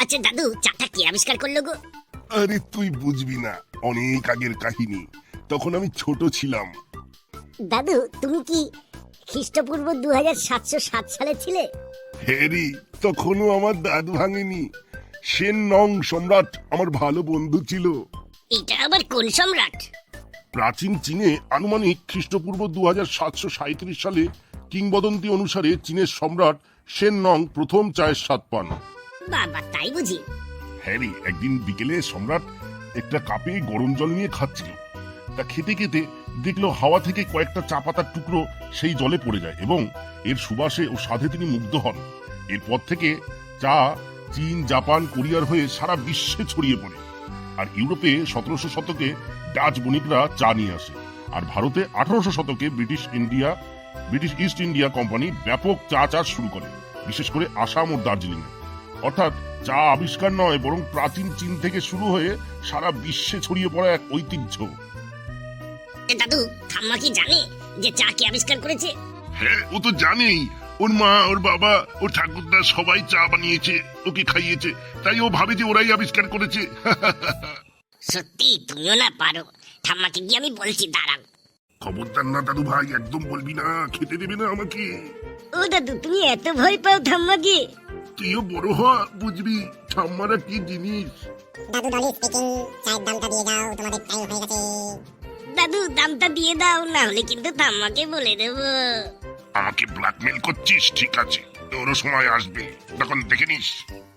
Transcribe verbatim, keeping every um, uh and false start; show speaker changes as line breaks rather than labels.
আচ্ছা দাদু, চাটা কে আবিষ্কার করলো গো?
আরে তুই বুঝবি না, অনেক আগের কাহিনী। তখন আমি ছোট ছিলাম।
দাদু, তুমি কি খ্রিস্টপূর্ব দু হাজার সাতশো সাত সালে ছিলে?
হ্যারি, তখনও আমার দাঁত ভাঙেনি। সেন নং সম্রাট আমার ভালো বন্ধু ছিল।
এটা আবার কোন সম্রাট?
প্রাচীন চীনে আনুমানিক খ্রিস্টপূর্ব দু হাজার সাতশো সাঁত্রিশ সালে কিংবদন্তি অনুসারে চীনের সম্রাট সেন নং প্রথম চায়ের স্বাদ পান।
বাবা, তাই বুঝি?
হ্যারি, একদিন বিকেলে সম্রাট একটা কাপে গরম জল নিয়ে খাচ্ছিল। তা খেতে খেতে দেখলো হাওয়া থেকে কয়েকটা চা পাতার টুকরো সেই জলে পড়ে যায় এবং এর সুবাসে ও স্বাদে তিনি মুগ্ধ হন। এরপর থেকে চা চীন, জাপান, কোরিয়ার হয়ে সারা বিশ্বে ছড়িয়ে পড়ে। আর ইউরোপে সতেরোশো শতকে ডাচ বণিকরা চা নিয়ে আসে। আর ভারতে আঠারোশো শতকে British India British East India company ব্যাপক চা চাষ শুরু করে, বিশেষ করে আসাম ও দার্জিলিং এ। অর্থাৎ চা আবিষ্কার নয়, বরং প্রাচীন চীন থেকে শুরু হয়ে সারা বিশ্বে ছড়িয়ে পড়া এক ঐতিহ্য।
এ দাদু, ঠাম্মা কি জানে যে চা কে আবিষ্কার করেছে?
হ্যাঁ, ও তো জানেই। ওর মা, ওর বাবা, ওর ঠাকুরদা সবাই চা বানিয়েছে, ওকে খাইয়েছে, তাই ও ভাবে যে ওরাই আবিষ্কার করেছে।
সত্যি তুমিও না পারো। ঠাম্মাকে গিয়ে আমি বলছি, দাঁড়াও।
খবরদার না দাদু ভাই, একদম বলবি না, খেতে দেবে না আমাকে।
ও দাদু, তুমি এত ভয় পাও ঠাম্মাকে?
তুইও বড় হ, বুঝবি ঠাম্মারা কি জিনিস।
দাদু ডলি স্পিকিং, চায়ের দামটা দিয়ে দাও, তোমাদের টাইম হয়ে গেছে।
দাদু, দামটা দিয়ে দাও, না হলে কিন্তু ঠাম্মাকে বলে দেবো।
আমাকে ব্ল্যাকমেল করছিস? ঠিক আছে, তোরও সময় আসবে, তখন দেখে নিস।